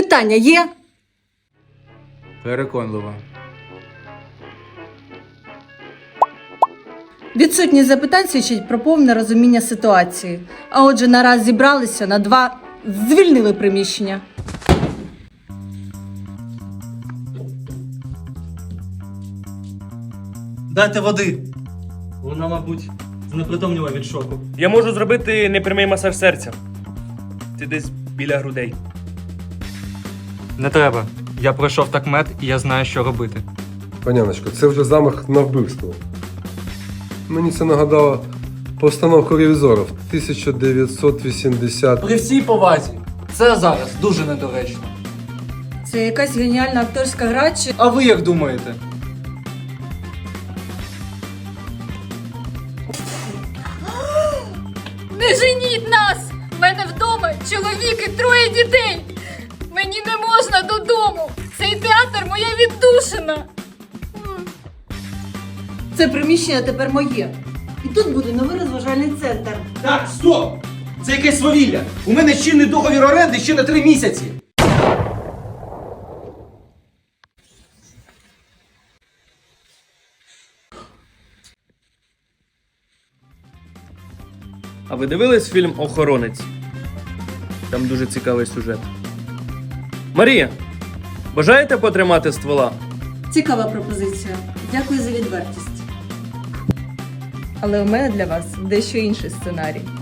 Питання є? Переконливо. Відсутність запитань свідчить про повне розуміння ситуації. А отже, нараз зібралися на 2, звільнили приміщення. Дайте води. Вона, мабуть, знепритомніла від шоку. Я можу зробити непрямий масаж серця. Ти десь біля грудей. Не треба. Я пройшов такмет і я знаю, що робити. Паняночко, це вже замах на вбивство. Мені це нагадало постановку ревізорів 1980. При всій повазі, це зараз дуже недоречно. Це якась геніальна акторська гра чи... А ви як думаєте? Не женіть нас! В мене вдома чоловік і 3 дітей! Мені не можна додому! Цей театр моя віддушина! Це приміщення тепер моє. І тут буде новий розважальний центр. Так, стоп! Це якесь свавілля! У мене чинний договір оренди ще на 3 місяці! А ви дивились фільм «Охоронець»? Там дуже цікавий сюжет. Марія, бажаєте потримати ствола? Цікава пропозиція. Дякую за відвертість. Але у мене для вас дещо інший сценарій.